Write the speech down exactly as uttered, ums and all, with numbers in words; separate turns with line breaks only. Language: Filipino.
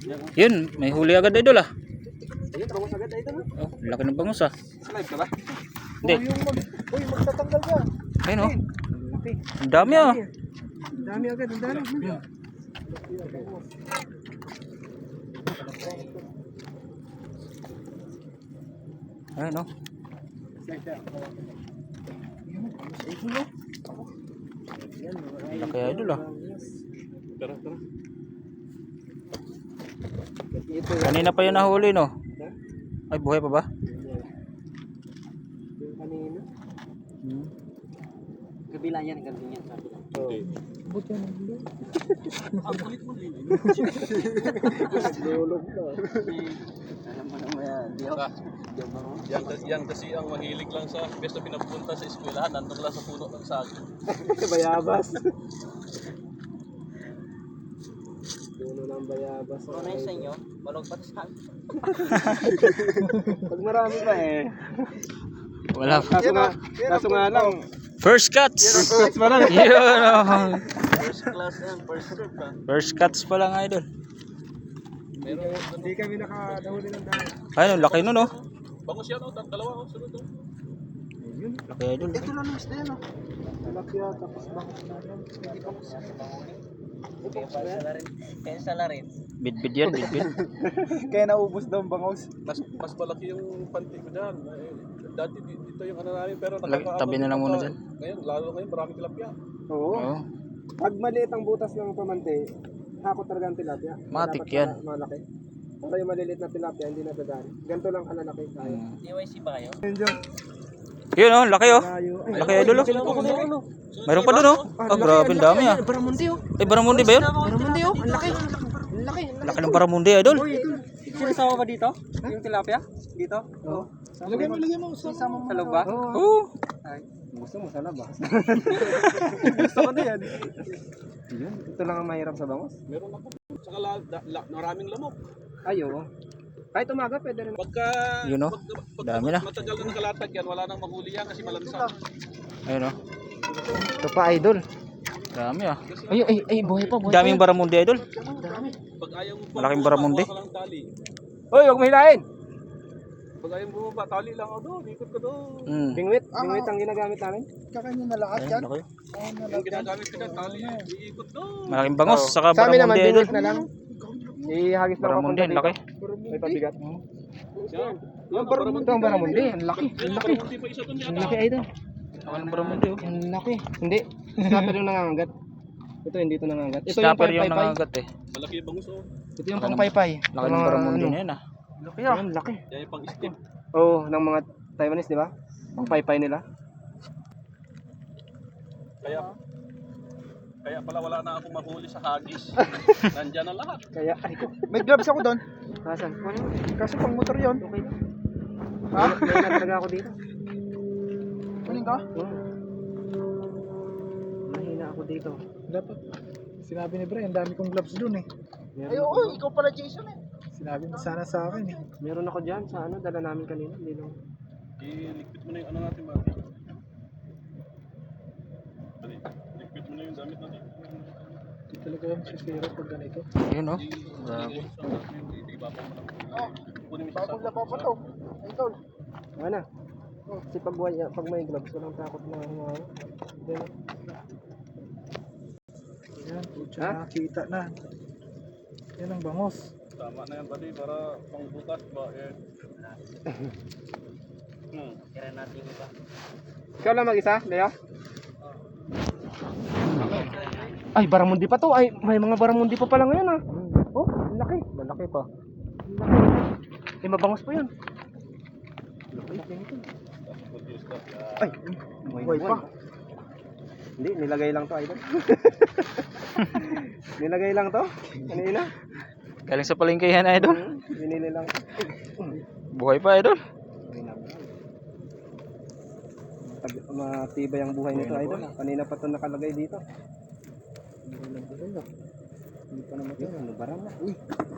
Yun, may huli agad idol ah.
Ayun, bangus agad idol.
Oh, laki ng bangus ah.
Live ka ba?
Hindi.
Uy, magtatanggal ka.
Ayun oh.
Laki.
Ang dami ah.
Ang dami agad, ang dami.
Ayun oh. Laki idol ah.
Tara, tara.
Kanina pa yun nahuli no. Ay, buhay pa ba?
Yung kanina.
Hmm.
Kabila yan, kabila yan. Oo. Buti yan. Ang kulit mo din. Lulog na. Alam mo naman yan.
Yan, yan kasi ang mahilig lang sa best na pinapunta sa eskwelahan, nandun lang sa puno ng saging.
Bayabas. Puno ng bayabas.
Ano na yun sa inyo? Balog pa sa akin.
Pag marami pa eh.
Wala.
Kaso nga, kaso nga lang.
First cuts.
First pa lang.
Yun oh.
First class yan, first serve ka.
First cuts pa lang idol.
Hindi kami nakadahuli ng dahil.
Ayun, laki nun oh.
Bangus yan, oh, dalawa, oh, sunod, oh.
Laki idol.
Ito lang mas na yan oh. Talapia, tapos bangus na yan. Hindi bangus yan.
Kaya pa sa rin. Kaya sa larin.
Bidbid yan, bidbid.
Kaya naubos daw ang bangus.
Mas, mas malaki yung panty ko dyan. Eh, dati di- dito yung ano namin, pero
Lag- tabi na lang muna dyan.
Ngayon, lalo ngayon, maraming tilapia.
Oo.
Oh.
Pag maliit ang butas ng pamante, hakot talaga ang tilapia.
Matik
Dapat
yan.
mala- Malaki. Pero yung maliliit na tilapia, hindi nadadaan. Ganito lang kalalaki. Kaya.
Hmm.
D Y C ba kayo?
Yun oh, laki oh.
Layo.
Laki idol oh. Mayroon pa dun oh. Ah, grabe ang dami ah.
Baramundi oh.
Eh, Baramundi ba yun?
Baramundi oh. Ang laki. Ang laki.
Laki ng Baramundi idol.
Sinasama ba dito? Yung tilapia? Dito?
Oo. Lagyan mo, lagyan mo.
Isama mo sa loob ba?
Oo.
Ay.
Gusto mo sa labas. Gusto ko na yan. Yun. Ito lang ang mahirap sa bangus.
Meron ako. Saka la, da, la, maraming lamok.
Ay, oo. Kahit umaga, pwede rin.
Pagka,
Yun, oh.
pagka, pagka
Dami na.
matagal na nakalatag yan, wala nang mahuli yan kasi malansa.
Ayun oh.
Ito pa, idol.
Dami ah.
Ay, ay, ay, buhay pa, buhay
Daming Baramundi idol.
Pag ayaw mo pa,
Malaking Baramundi.
ka lang tali.
Hoy, huwag mo hilahin.
Pag ayaw mo pa, tali lang ako doon, ikot ka doon.
Hmm.
Bingwit, bingwit ang ginagamit namin.
Kakanya na lahat
Ayun, laki.
Yung ginagamit ko dyan, tali, iikot doon.
Malaking bangus,
Oo.
saka
Sa amin naman,
Baramundi idol.
bingwit na lang. Ihagis lang
Baramundi, ang laki.
May pabigat.
Yan.
Yung baramundi. Ito ang baramundi. Ang laki.
Yan,
Ang laki.
Baramundi pa isa doon
Ang
yata.
laki, idol.
Laki ng Baramundi oh.
Ang laki. Hindi. Snapper yung nangangagat. Ito hindi ito nangangagat. Ito yung
Snapper yung
paypay.
nangagat eh.
Malaki yung bangus, oh.
Ito yung pangpaypay.
Laki ng Baramundi na yun ah.
Laki ah. Laki.
Yan yung pang-step.
Oo, ng mga Taiwanese, di ba? Pangpaypay nila.
Kaya, kaya pala wala na akong mahuli sa hagis. Nandyan na lahat.
Kaya, ay ko.
May gloves ako doon.
Kasan?
Kaso pang motor yon.
Okay na. Ha? May na talaga ako dito.
Kunin ka?
Oo. Mahina ako dito.
Dapat. Sinabi ni Brian, dami kong gloves doon eh.
Meron,
Ay, oo, ikaw pala Jason eh. Sinabi mo sana sa akin eh.
meron ako dyan sa ano, dala namin kanina. Hindi lang.
Iligpit mo na yung ano natin, Mati. Dali, Ligpit mo na yung damit natin.
Hindi talaga yung sisira pag ganito.
Ayun oh. Grabe.
Bagong labaw pa to. Ay, tol.
Ano na? Kasi pag, wala- pag may gloves, walang takot na ano. Yan.
Yan, putya
Ha?
nakakita na. Yan ang bangos.
Tama na yan, buddy, para pangbukas ba, eh. Hmm.
Kaya natin iba.
Ikaw lang mag-isa, Leo? Ay, baramundi pa to. Ay, may mga baramundi pa pala ngayon ah. Oh, ang laki.
Malaki pa.
Ang laki. Eh, mabangos pa yun. Ay,
Buhay pa.
hindi, nilagay lang to, idol. Nilagay lang to. Kanina.
Galing sa palengkehan idol.
Binili lang.
Buhay pa idol.
Tag- Matibay ang buhay nito, idol. Kanina pa to nakalagay dito. Hindi pa naman ito. Ano, barang na. Uy.